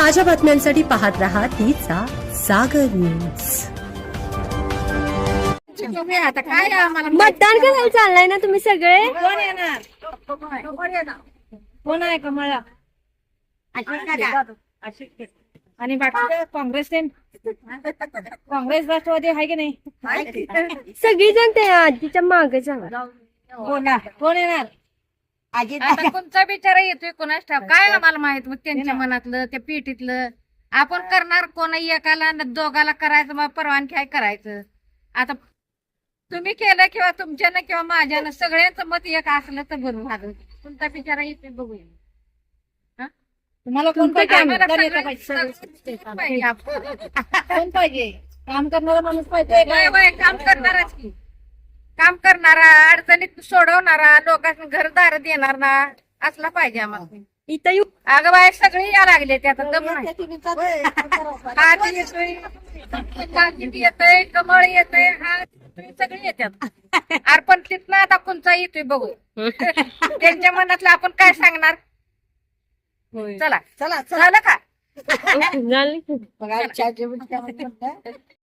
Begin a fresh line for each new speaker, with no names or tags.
ताज्या बातम्यांसाठी पाहत रहा तिचा सागर न्यूज.
आता काय आम्हाला
मतदान करायला चाललाय ना तुम्ही सगळे?
कोण येणार? कोण आहे कमळा? आणि बाकी काँग्रेस राष्ट्रवादी आहे की नाही?
सगळी जण ते आजीच्या मागे जाणार.
कोण येणार? आता कोणचा बिचारा येतोय कोणाच ठाव काय आम्हाला माहित मग त्यांच्या मनातलं त्या पेटीतलं आपण करणार कोण एकाला दोघाला करायचं मग परवानगी आहे करायचं. आता तुम्ही केलं किंवा तुमच्यानं किंवा माझ्यानं सगळ्यांचं मत एक असलं तर बरोबर झालं. कोणता बिचारा येतोय बघूया. तुम्हाला कोण पाहिजे? काम करणारा माणूस पाहिजे. काम करणाराच की काम करणारा अडचणीत सोडवणारा लोकांना घरदार देणार ना असला पाहिजे आम्हाला.
इथं येऊ
अगं बाय सगळी या लागले ते आता दम येतोय कमळ येतोय सगळे येतात. अर्पण तिथनं आता कोणचा येतोय बघू त्यांच्या मनातलं आपण काय सांगणार. चला चला झालं का?
झाली.